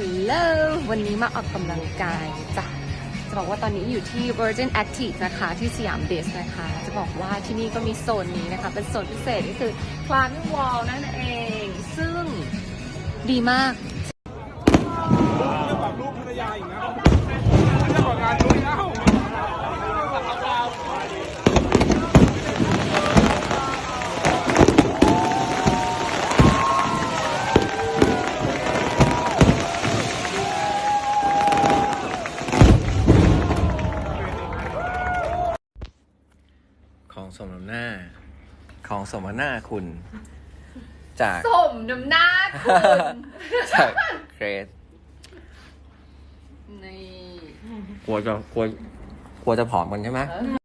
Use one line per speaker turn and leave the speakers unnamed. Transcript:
Hello วันนี้มาออกกำลังกายจ้ะจะบอกว่าตอนนี้อยู่ที่ Virgin Active นะคะที่สยามเดสนะคะจะบอกว่าที่นี่ก็มีโซนนี้นะคะเป็นโซนพิเศษก็คือ Climbing Wall นั่นเองซึ่งดีมาก
เรื่องแบบลูกภรรยาอีกนะเรื่องของงานลุยแล้ว
ของสมน้ำหน้าของสมน้ำหน้าคุณจาก
สมน้ำหน้าคุณ
จากเกรซ
นี่
กลัวจะผอมกันใช่ไหม